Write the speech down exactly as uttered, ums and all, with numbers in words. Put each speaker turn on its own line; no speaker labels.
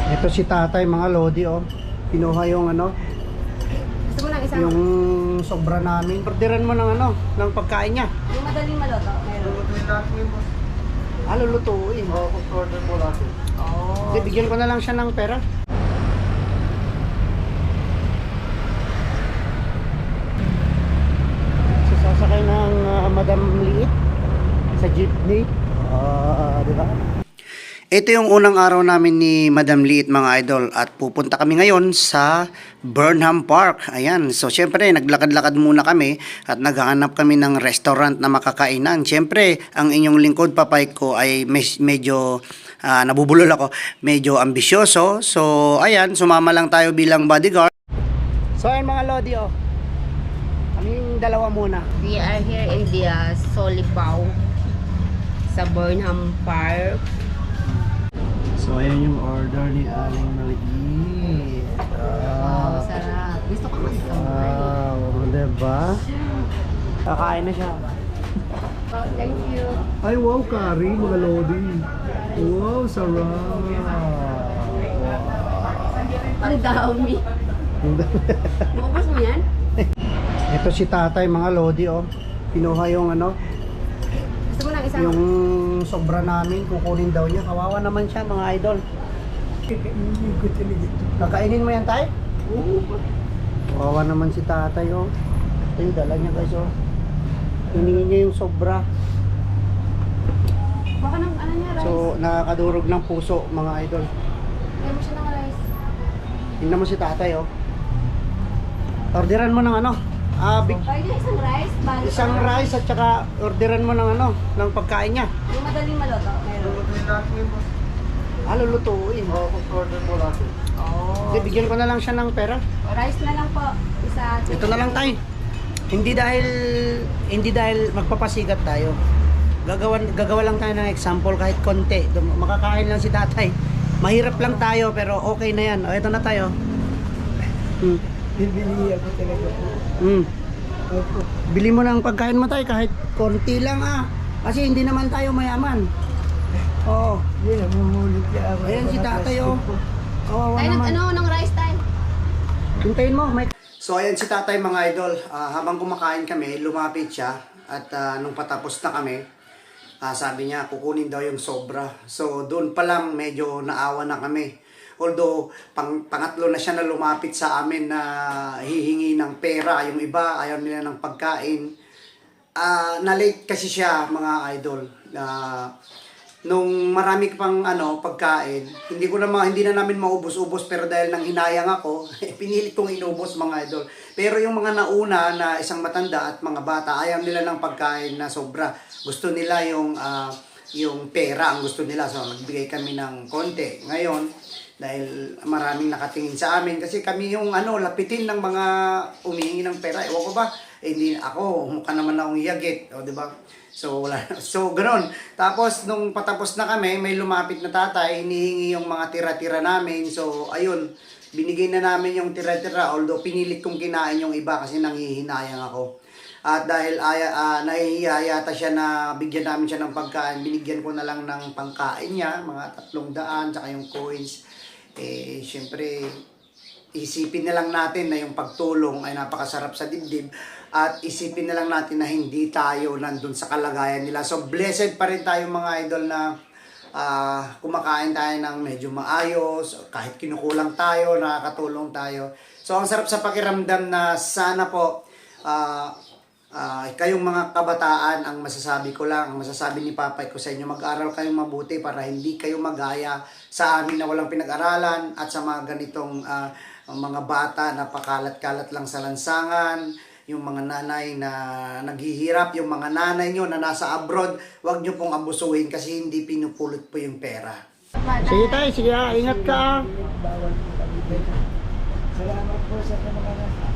Ito si tatay mga lodi, oh. Kinuha yung ano,
Gusto mo ng isang,
yung sobra namin. Orderan mo ng ano, ng pagkain niya.
yung madaling maluto? Meron.
Lulutuin natin yung boss.
Ah, lulutuin.
Oo, order mo natin.
Oh.
Hindi, bigyan ko na lang siya ng pera. So, sasakay ng ah, Madam Liit sa jeepney. Ah, di ba? Ito yung unang araw namin ni Madam Liit mga idol at pupunta kami ngayon sa Burnham Park. Ayan, so syempre naglakad-lakad muna kami at naghahanap kami ng restaurant na makakainan. Syempre, ang inyong lingkod papay ko ay mes- medyo uh, nabubulol ako, medyo ambisyoso. So ayan, sumama lang tayo bilang bodyguard. So ayan mga lodi, oh. Kaming dalawa muna.
We are here in the uh, Solipaw sa Burnham Park.
So ayan yung order ni Aling Maliit.
Wow, sarap. Gusto ko mag-samay.
Wow, diba? Kakain na siya.
Oh, thank you.
Ay, wow, curry, mga lodi. Wow, sarap.
Ang dami. Maubos mo yan?
Ito si tatay, mga lodi, oh. Kinuha yung ano,
Gusto mo ng isang,
yung sobra namin, kukunin daw niya. Kawawa naman siya, mga idol. Kakainin mo yan, tay?
Oo.
Kawawa naman si tatay, oh. Ito yung dala niya, guys, oh. Hiningin niya yung sobra.
baka ng ano niya, rice.
So, nakakadurog ng puso, mga idol.
Kaya mo siya ng rice.
Tingnan mo si tatay, oh. Orderan mo ng ano, ah, big,
Pwede isang rice, bali.
isang rice at saka orderan mo ng ano, ng pagkain niya.
Yung madaling maluto? Meron.
Lulutuin natin yung boss.
Ah, lulutuin.
Oo, order mo natin.
Oh.
Hindi, bigyan ko na lang siya ng pera.
Rice na lang po. Isa.
Ito na lang tayo. Hindi dahil hindi dahil magpapasikat tayo. Gagawan gagawa lang tayo ng example kahit konti. Dum- Makakain lang si tatay. Mahirap lang tayo pero okay na yan. O, ito na tayo. Hmm.
Bibili ako talaga po.
Hmm.
Opo.
Bili mo ng pagkain mo tayo kahit konti lang ah. Kasi hindi naman tayo mayaman. Oo.
Yan, namumulit ka ako.
Ayan si tatay, oh. Kawawa
Tayo ng
naman.
ano, ng rice tayo.
Hintayin mo, Mike. So ayan si tatay mga idol, Ah, habang kumakain kami, lumapit siya at ah, nung patapos na kami, ah, sabi niya kukunin daw yung sobra. So doon pa lang medyo naawa na kami. Although pang, pangatlo na siya na lumapit sa amin na hihingi ng pera, yung iba ayaw nila ng pagkain. Ah, na-late kasi siya mga idol. Ah, nung marami pang ano pagkain, hindi ko na ma- hindi na namin maubos-ubos pero dahil nang hinayang ako, pinilit kong inubos mga idol. Pero yung mga nauna na isang matanda at mga bata, ayaw nila ng pagkain na sobra. Gusto nila yung ah, yung pera ang gusto nila. So nagbigay kami ng konti. Ngayon, dahil maraming nakatingin sa amin kasi kami yung ano lapitin ng mga umihingi ng pera. Ewan ko ba? Eh, hindi ako, mukha naman akong yagit, o di ba? So wala. So ganoon. Tapos nung patapos na kami, may lumapit na tatay, hinihingi yung mga tira-tira namin. So ayun, binigay na namin yung tira-tira although pinilit kong kinain yung iba kasi nanghihinayang ako. At dahil aya, uh, nahihiya yata siya na bigyan namin siya ng pagkain, binigyan ko na lang ng pangkain niya, mga tatlong daan, tsaka yung coins. Eh, syempre, isipin na lang natin na yung pagtulong ay napakasarap sa dibdib at isipin na lang natin na hindi tayo nandun sa kalagayan nila. So, blessed pa rin tayo mga idol na uh, kumakain tayo ng medyo maayos, kahit kinukulang tayo, nakakatulong tayo. So, ang sarap sa pakiramdam na sana po, uh, Uh, kayong mga kabataan, ang masasabi ko lang, ang masasabi ni Papay ko sa inyo, mag-aral kayong mabuti para hindi kayo magaya sa amin na walang pinag-aralan at sa mga ganitong uh, mga bata na pakalat-kalat lang sa lansangan, yung mga nanay na naghihirap, yung mga nanay nyo na nasa abroad, wag nyo pong abusuhin kasi hindi pinupulot po yung pera. Sige tayo, sige, ingat ka.
Bawal po kami. Salamat po sa kamakanan.